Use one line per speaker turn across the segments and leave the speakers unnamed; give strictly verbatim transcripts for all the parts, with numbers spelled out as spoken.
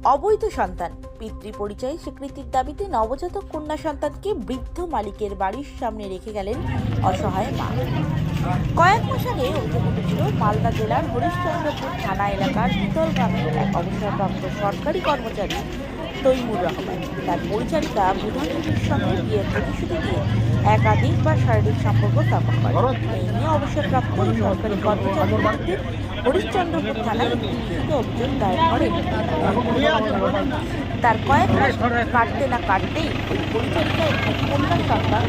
অবৈধ সন্তান পিতৃ পরিচয় স্বীকৃতির দাবিতে নবজাতক কন্যা সন্তানকে বৃদ্ধ মালিকের বাড়ির সামনে রেখে গেলেন অসহায় মা। কয়েক মাস আগে অভিযোগ উঠেছিল মালদা জেলার হরিশ্চন্দ্রপুর থানা এলাকার বিতল গ্রামের এক অবসরপ্রাপ্ত সরকারি কর্মচারী তৈমুর রহমান তার পরিচারিকা বুধানদেবীর সঙ্গে বিয়ের প্রতিশ্রুতি দিয়ে একাধিকবার শারীরিক সম্পর্ক স্থাপন করে। এই নিয়ে অবসরপ্রাপ্ত সরকারি কর্মচারীর বিরুদ্ধে হরিশ্চন্দ্রপুর থানায় একটি লিখিত অভিযোগ দায়ের করেন। তার কয়েক মাস কাটতে না কাটতেই ওই পরিচারিকা একটি কন্যা সন্তান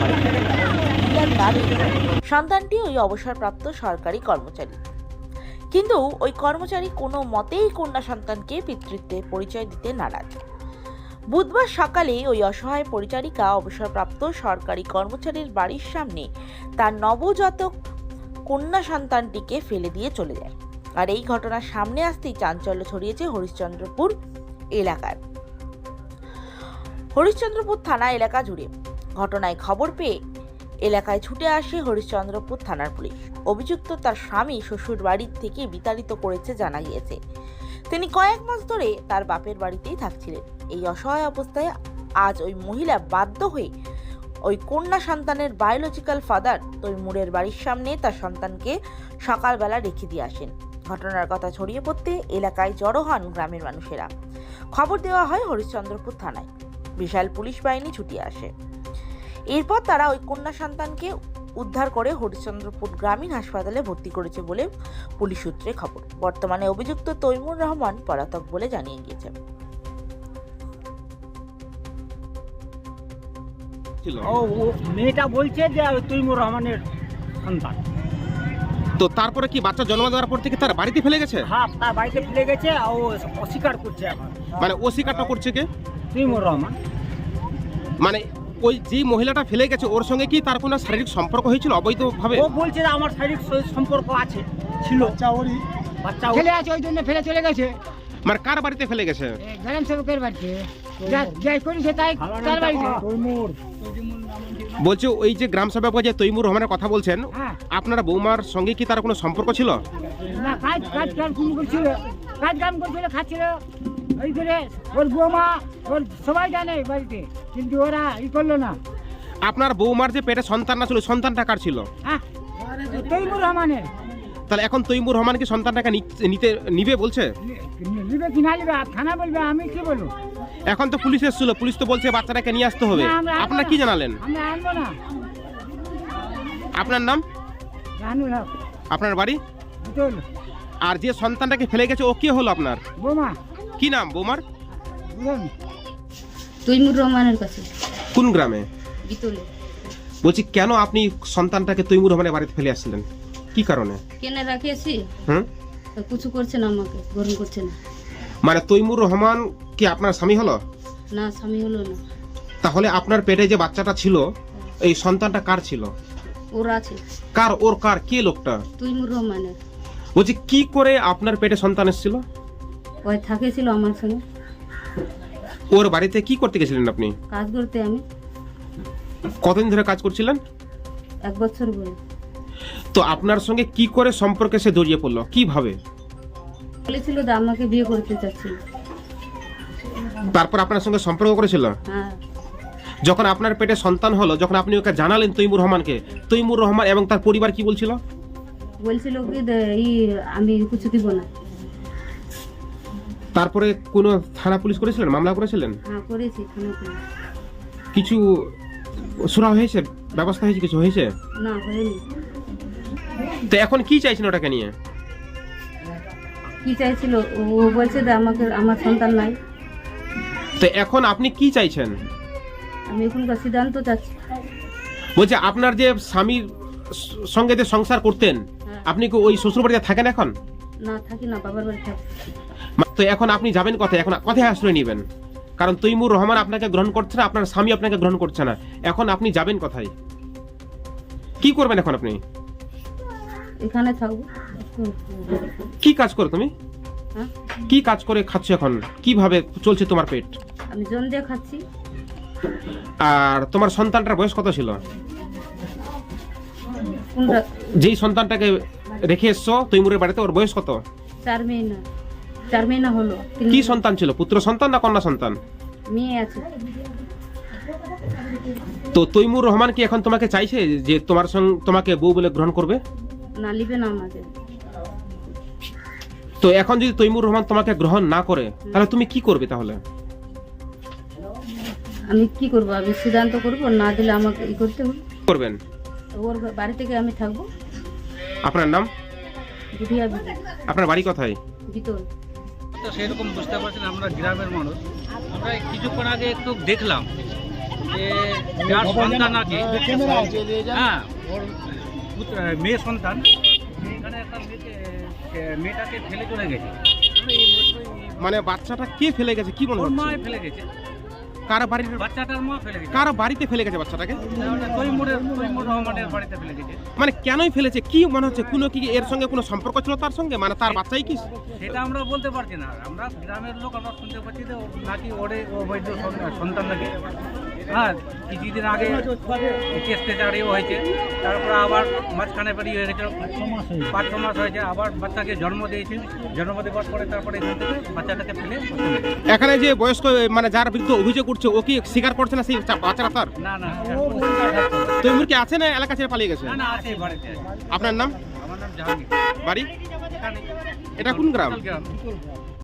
সন্তানটি ওই অবসরপ্রাপ্ত সরকারি কর্মচারী, কিন্তু ওই কর্মচারী কোনো মতেই কন্যা সন্তানকে পিতৃত্বের পরিচয় দিতে নারাজ। বুধবার সকালে ওই অসহায় পরিচারিকা অবসরপ্রাপ্ত সরকারি কর্মচারীর বাড়ির সামনে তার নবজাতক কন্যা সন্তানটিকে ফেলে দিয়ে চলে যায়। আর এই ঘটনার সামনে আসতেই চাঞ্চল্য ছড়িয়েছে হরিশ্চন্দ্রপুর এলাকায়, হরিশ্চন্দ্রপুর থানা এলাকা জুড়ে। ঘটনায় খবর পেয়ে এলাকায় ছুটে আসে হরিশ্চন্দ্রপুর থানার পুলিশ। অভিযুক্ত তার স্বামী শ্বশুর বাড়ির থেকে বিতাড়িত করেছে জানা গিয়েছে। তিনি কয়েক মাস ধরে তার বাপের বাড়িতেই থাকছিলেন। এই অসহায় অবস্থায় আজ ওই মহিলা বাধ্য হয়ে ওই কন্যা সন্তানের বায়োলজিক্যাল ফাদার তৈমুরের বাড়ির সামনে তার সন্তানকে সকালবেলা রেখে দিয়ে আসেন। ঘটনার কথা ছড়িয়ে পড়তে এলাকায় জড়ো হন গ্রামের মানুষেরা। খবর দেওয়া হয় হরিশ্চন্দ্রপুর থানায়। বিশাল পুলিশ বাহিনী ছুটে আসে। এরপর তারা ওই কন্যা সন্তানকে উদ্ধার করে হরিশ্চন্দ্রপুর গ্রামীণ হাসপাতালে ভর্তি করেছে বলে পুলিশ সূত্রে খবর। বর্তমানে অভিযুক্ত তৈমুর রহমান পলাতক বলে জানিয়ে গিয়েছে।
ও মেয়েটা বলছে যে তৈমুর রহমানের সন্তান।
তো তারপরে কি বাচ্চা জন্ম দেওয়ার পর থেকে তার বাড়িতে ফেলে গেছে?
হ্যাঁ, তার বাড়িতে ফেলে গেছে। ও অস্বীকার করছে এখন।
মানে অস্বীকারটা করছে কে?
তৈমুর রহমান।
মানে ওই যে মহিলাটা ফেলে গেছে ওর সঙ্গে কি তার কোনো শারীরিক সম্পর্ক হয়েছিল অবৈধভাবে?
ও বলছে যে আমার শারীরিক সম্পর্ক আছে, ছিল। বাচ্চা ওরই বাচ্চা ফেলে আছে, ওই জন্য ফেলে চলে গেছে।
মানে কার বাড়িতে ফেলে গেছে?
গ্রাম সেবকের বাড়িতে। যাই করেছে তাই তার বাড়িতে।
বলছে ওই যে গ্রাম সেবক যে তৈমুর রহমানের কথা বলছেন,
হ্যাঁ।
আপনার বৌমার সঙ্গে কি তার কোনো সম্পর্ক ছিল?
না, কাজ কাজ কাজ করছিল, কাজ কাম করছিল, খাচ্ছিল। ওই করে ওর বৌমা ওর সবাই জানে বাড়িতে, কিন্তু ওরা ই করলো না।
আপনার বৌমার যে পেটে সন্তান না ছিল, সন্তানটা কার ছিল?
হ্যাঁ, তৈমুর রহমানের।
তাহলে এখন তৈমুর রহমান কি সন্তানটাকে নিতে নিবে বলছে?
নিবে কি না নিবে থানা বলবে, আমি কি বলবো?
এখন তো পুলিশ এসেছিল, পুলিশ তো বলছে বাচ্চাটাকে নিয়ে আসতে হবে। আপনার কি জানালেন?
আমরা আনবো না।
আপনার নাম?
রানুল হক।
আপনার বাড়ি?
বিতল।
আর যে সন্তানটাকে ফেলে গেছে ও কে হলো আপনার?
বৌমা।
কি নাম বৌমার?
তৈমুর রহমানের কাছে।
কোন গ্রামে?
বিতলে।
বলছি কেন আপনি সন্তানটাকে তৈমুর রহমানের বাড়িতে ফেলে আসছিলেন, কি কারণে?
কেনে রাখিয়েছি,
হুম,
তো কিছু করছে না, আমাকে গ্রহণ করছে না।
মানে তৈমুর রহমান কি আপনার স্বামী হলো?
না, স্বামী হলো না।
তাহলে আপনার পেটে যে বাচ্চাটা ছিল, এই সন্তানটা কার ছিল?
ওর আছে।
কার? ওর কার? কে লোকটা?
তৈমুর রহমানের।
বলছি কি করে আপনার পেটে সন্তান এসেছিল?
ওই থাকেছিল আমার সঙ্গে।
ওর বাড়িতে কি করতে গেছিলেন আপনি?
কাজ করতে। আমি
কতদিন ধরে কাজ করছিলেন?
এক বছর বলে।
তো আপনার সঙ্গে কি করে সম্পর্কে সে জড়িয়ে পড়লো, কিভাবে?
বলেছিল যে আমাকে বিয়ে করতে চাচ্ছিল।
তারপর আপনার সঙ্গে সম্পর্ক করেছিল?
হ্যাঁ।
যখন আপনার পেটে সন্তান হলো, যখন আপনি ওকে জানালেন তৈমুর রহমানকে, তৈমুর রহমান এবং তার পরিবার কি বলছিল?
বলছিল কি ই আমি কিছু দিব না।
তারপরে কোনো থানা পুলিশ করেছিলেন, মামলা করেছিলেন?
হ্যাঁ, করেছি থানা পুলিশ।
কিছু শোনা হয়েছে, ব্যবস্থা হয়েছে, কিছু হয়েছে?
না, হয়নি।
তো এখন কি চাইছেন ওটাকে নিয়ে?
কি চাইছিল? ও বলছে যে আমাকে আমার সন্তান নাই।
তো এখন আপনি কি চাইছেন?
আমি এখনকার সিদ্ধান্ত চাচ্ছি।
বলছে আপনার যে স্বামীর সঙ্গে যে সংসার করতেন, আপনি কি ওই শ্বশুর বাড়িতে থাকেন এখন?
না, থাকি না, বাবার বাড়ি থাকি।
তো এখন আপনি যাবেন কোথায়? এখন কোথায় আশ্রয় নেবেন? কারণ তৈমুর রহমান আপনাকে গ্রহণ করছে না, আপনার স্বামী আপনাকে গ্রহণ করছে না। এখন আপনি যাবেন কোথায়? কি করবেন এখন আপনি?
এখানে থাকবো।
কি কাজ করো তুমি?
হ্যাঁ,
কি কাজ করে খাচ্ছ এখন? কিভাবে চলছে তোমার পেট?
আমি জন দিয়ে খাচ্ছি।
আর তোমার সন্তানটার বয়স কত ছিল?
কোনটা?
যেই সন্তানটাকে রেখে এসছো তৈমুরের বাড়িতে, ওর বয়স কত?
চার মেয়ে না। চার মহিনা হলো তিন
কি সন্তান ছিল, পুত্র সন্তান না কন্যা সন্তান?
মেয়ে আছে।
তো তৈমুর রহমান কি এখন তোমাকে চাইছে যে তোমার সঙ্গে তোমাকে বউ বলে গ্রহণ করবে?
না, লিবে না আমাকে।
তো এখন যদি তৈমুর রহমান তোমাকে গ্রহণ না করে তাহলে তুমি কি করবে? তাহলে
আমি কি করব? আমি সিদ্ধান্ত করব, না দিলে আমাকে ই করতে হবে।
কি করবেন?
ওর বাড়ি থেকে আমি থাকবো।
আপনার নাম?
বুধিয়া বিবি,
আপনার বাড়ি কোথায়?
ভিতর।
তো সেরকম বুঝতে পারছেন, আমরা গ্রামের মানুষ। আমরা এই কিছুক্ষণ আগে একটু দেখলাম যে যার সন্তান নাকি, হ্যাঁ ওর পুত্র- মেয়ে সন্তান এখানে একটা মেয়েকে মেয়েটাকে ফেলে চলে গেছে। আমরা এই মতোই-
মানে বাচ্চাটা কে ফেলে গেছে কি মনে
ওর মা
হচ্ছে?
ফেলে গেছে,
কার বাড়ির,
বাচ্চাটার মা ফেলে গেছে।
কার বাড়িতে ফেলে গেছে বাচ্চাটাকে?
তৈমুরের তৈমুর রহমানের বাড়িতে ফেলে গেছে।
মানে কেনই ফেলেছে কি মনে হচ্ছে? কোনো কি এর সঙ্গে কোনো সম্পর্ক ছিল তার সঙ্গে? মানে তার বাচ্চাই কি?
সেটা আমরা বলতে পারছি না। আমরা গ্রামের লোক, আমরা শুনতে পাচ্ছি যে ও নাকি ওরে অবৈধ সন্তান- সন্তান নাকি। হ্যাঁ, কিছুদিন আগে কেসতে দাঁড়িয়ে হয়েছে, তারপরে আবার মাঝখানে বেরিয়ে হয়ে গেছে, পাঁচ ছ মাস হয়েছে, আবার বাচ্চাকে জন্ম দিয়েছে। জন্ম দেওয়ার পরে তারপরে এখান থেকে বাচ্চাটাকে ফেলে চলে গেছে।
এখানে যে বয়স্ক মানে যার বিরুদ্ধে অভিযোগ করছে ও কি স্বীকার করছে না সেই চা- বাচ্চাটা তার?
না না
তৈমুর কি আছে না এলাকা ছেড়ে পালিয়ে গেছে?
না না আছে বাড়িতে আছে।
আপনার নাম,
আমার নাম জাহাঙ্গীর।
বাড়ি?
এখানে
এটা কোন গ্রাম?
গ্রাম